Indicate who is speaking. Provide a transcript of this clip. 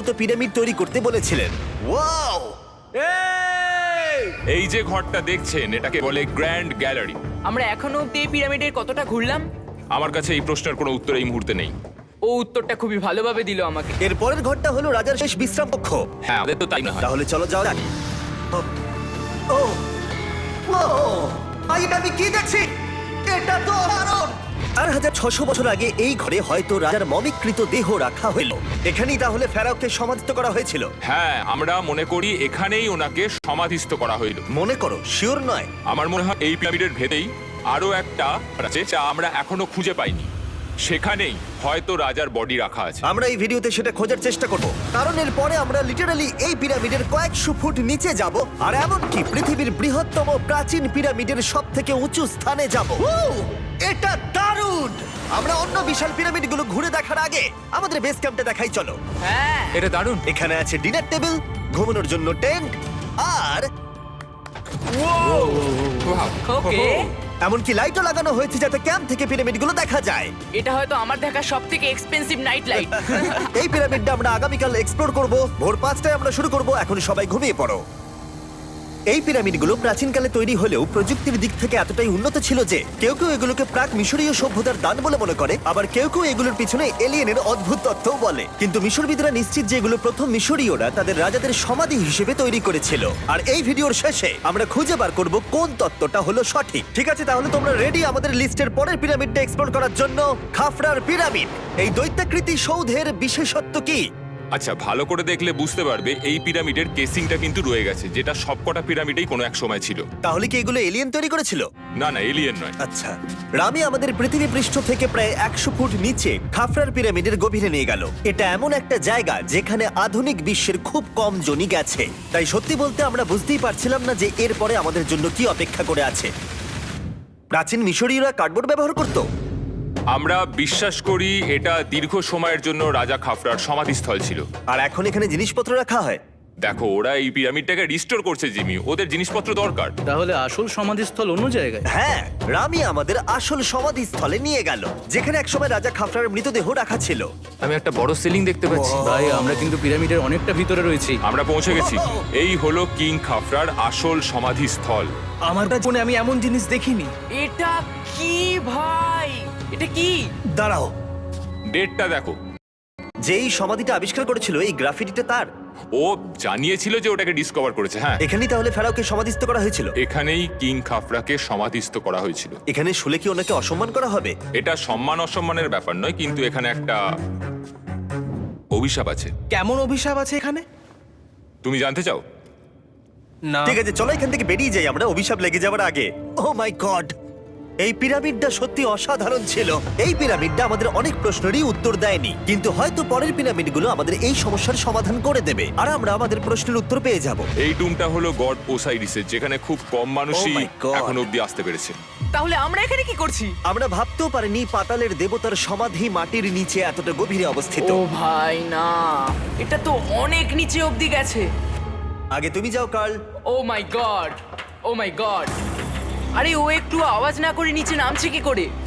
Speaker 1: Pyramid তৈরি করতে বলেছিলেন। ওয়াও!
Speaker 2: এই যে ঘরটা দেখছেন এটাকে বলে গ্র্যান্ড গ্যালারি।
Speaker 3: আমরা এখনো অব্দি এই পিরামিডের কতটা ঘুরলাম?
Speaker 2: আমার কাছে এই প্রশ্নের কোনো উত্তর এই মুহূর্তে নেই।
Speaker 3: ও উত্তরটা খুবই ভালোভাবে দিল আমাকে।
Speaker 1: এর পরের ঘরটা হলো রাজার শেষ বিশ্রাম কক্ষ।
Speaker 2: হ্যাঁ, আমাদের তো তাই না হয়।
Speaker 1: তাহলে চলো যাও যাক। ও ও এটা আমি কি দেখছি? এটা তো দারুণ! 4600 বছর আগে এই ঘরে হয়তো রাজার মমিকৃত দেহ রাখা হলো। এখানেই তাহলে ফেরাওকে সমাধিস্থ করা হয়েছিল।
Speaker 2: হ্যাঁ, আমরা মনে করি এখানেই ওনাকে সমাধিস্থ করা হইল।
Speaker 1: মনে করো, শিওর নয়।
Speaker 2: আমার মনে হয় এই পিরামিডের ভেতরেই আরো একটা আছে যা আমরা এখনো খুঁজে পাইনি। সেখানেই হয়তো রাজার বডি রাখা আছে।
Speaker 1: আমরা এই ভিডিওতে সেটা খোঁজার চেষ্টা করব, কারণ এর পরে আমরা লিটারালি এই পিরামিডের কয়েকশো ফুট নিচে যাব, আর এমনকি পৃথিবীর বৃহত্তম প্রাচীন পিরামিডের সব থেকে উঁচু স্থানে যাব। এটা দারুণ! আমরা অন্য বিশাল পিরামিডগুলো ঘুরে দেখার আগে আমাদের বেস ক্যাম্পটা দেখাই চলো।
Speaker 3: হ্যাঁ,
Speaker 2: এটা দারুণ।
Speaker 1: এখানে আছে ডিনার টেবিল, ঘুমানোর জন্য টেন্ট, আর
Speaker 3: ওকে।
Speaker 1: এমনকি লাইটও লাগানো হয়েছে যাতে ক্যাম্প থেকে পিরামিডগুলো দেখা যায়।
Speaker 3: এটা হয়তো আমার দেখা সবথেকে এক্সপেন্সিভ নাইট লাইট।
Speaker 1: এই পিরামিডটা আমরা আগামীকাল এক্সপ্লোর করব। ভোর 5টায় আমরা শুরু করব। এখন সবাই ঘুমিয়ে পড়ো। এই পিরামিডগুলো প্রাচীনকালে তৈরি হলেও প্রযুক্তির দিক থেকে এতটাই উন্নত ছিল যে কেউ কেউ এগুলোকে প্রাক মিশরীয় সভ্যতার দান বলে মনে করে, আবার কেউ কেউ এগুলোর পিছনে এলিয়েনের অদ্ভুত তত্ত্বও বলে। কিন্তু মিশরবিদরা নিশ্চিত যে এগুলো প্রথম মিশরীয়রা তাদের রাজাদের সমাধি হিসেবে তৈরি করেছিল। আর এই ভিডিওর শেষে আমরা খুঁজে বার করব কোন তত্ত্বটা হলো সঠিক। ঠিক আছে, তাহলে তোমরা রেডি আমাদের লিস্টের পরের পিরামিডটা এক্সপ্লোর করার জন্য? খাফরার পিরামিড। এই দৈত্যাকৃতি সৌধের বিশেষত্ব কি?
Speaker 2: আচ্ছা, ভালো করে দেখলে বুঝতে পারবে এই পিরামিডের কেসিংটা কিন্তু রয়ে গেছে, যেটা সবকটা পিরামিডেই কোনো এক সময় ছিল।
Speaker 1: তাহলে কি এগুলো এলিয়েন তৈরি করেছিল?
Speaker 2: না না, এলিয়েন নয়।
Speaker 1: আচ্ছা, রামি আমাদের পৃথিবী পৃষ্ঠ থেকে প্রায় 100 ফুট নিচে খাফরার পিরামিডের গভীরে নিয়ে গেল। এটা এমন একটা জায়গা যেখানে আধুনিক বিশ্বের খুব কম জনই গেছে। তাই সত্যি বলতে আমরা বুঝতেই পারছিলাম না যে এরপরে আমাদের জন্য কি অপেক্ষা করে আছে। প্রাচীন মিশরীয়রা কার্ডবোর্ড ব্যবহার করত।
Speaker 2: আমরা বিশ্বাস করি এটা দীর্ঘ সময়ের জন্য রাজা খাফরার সমাধিস্থল ছিল।
Speaker 1: আর এখন এখানে জিনিসপত্র রাখা হয়।
Speaker 2: দেখো, ওরা এই পিরামিডটাকে রিস্টোর করছে জিমি, ওদের জিনিসপত্র দরকার।
Speaker 4: তাহলে আসল সমাধিস্থল অন্য জায়গায়?
Speaker 1: হ্যাঁ, রামি আমাদের আসল সমাধিস্থলে নিয়ে গেল, যেখানে একসময় রাজা খাফরার মৃতদেহ রাখা ছিল।
Speaker 2: আমি একটা বড় সিলিং দেখতে পাচ্ছি।
Speaker 4: ভাই, আমরা কিন্তু পিরামিডের অনেকটা ভিতরে রয়েছি।
Speaker 2: আমরা পৌঁছে গেছি। এই হলো কিং খাফরার আসল সমাধিস্থল।
Speaker 4: আমার জীবনে আমি এমন জিনিস দেখিনি।
Speaker 3: এটা কি ভাই? এটা কি?
Speaker 1: দাঁড়াও,
Speaker 2: ডেটটা দেখো।
Speaker 1: যেই সমাধিটা আবিষ্কার করেছিল এই গ্রাফিটিটা তার।
Speaker 2: ও জানিয়েছিল যে ওটাকে ডিসকভার করেছে। হ্যাঁ,
Speaker 1: এখানেই তাহলে ফেরাওকে সমাধিস্থ করা হয়েছিল।
Speaker 2: এখানেই কিং খাফরাকে সমাধিস্থ করা হয়েছিল।
Speaker 1: এখানে শুলে কি ওনাকে অসম্মান করা হবে?
Speaker 2: এটা সম্মান অসম্মানের ব্যাপার নয়, কিন্তু এখানে একটা অভিশাপ আছে।
Speaker 4: কেমন অভিশাপ আছে এখানে?
Speaker 2: তুমি জানতে চাও?
Speaker 4: না।
Speaker 1: ঠিক আছে, চলো এখান থেকে বেরিয়ে যাই আমরা অভিশাপ লেগে যাওয়ার আগে। ও মাই গড, এই পিরামিডটা সত্যি অসাধারণ ছিল। এই পিরামিডটা আমাদের অনেক প্রশ্নেরই উত্তর দেয়নি, কিন্তু হয়তো পরের পিরামিডগুলো আমাদের এই সমস্যার সমাধান করে দেবে, আর আমরা আমাদের প্রশ্নের উত্তর পেয়ে যাব।
Speaker 2: এই টুমটা হলো গড ওসাইরিসের, যেখানে খুব কম মানুষই
Speaker 1: Oh my God!
Speaker 2: এখন অব্দি আসতে পেরেছে।
Speaker 3: তাহলে আমরা এখানে কি করছি?
Speaker 1: আমরা ভাবতেও পারিনি পাতালের দেবতার সমাধি মাটির নিচে এতটা গভীরে অবস্থিত।
Speaker 3: ও ভাই না, এটা তো অনেক নিচে অব্দি গেছে।
Speaker 1: আগে তুমি যাও কার্ল।
Speaker 3: ও মাই গড, ও মাই গড। আরে ও একটু আওয়াজ না করে নিচে নামছে কি করে?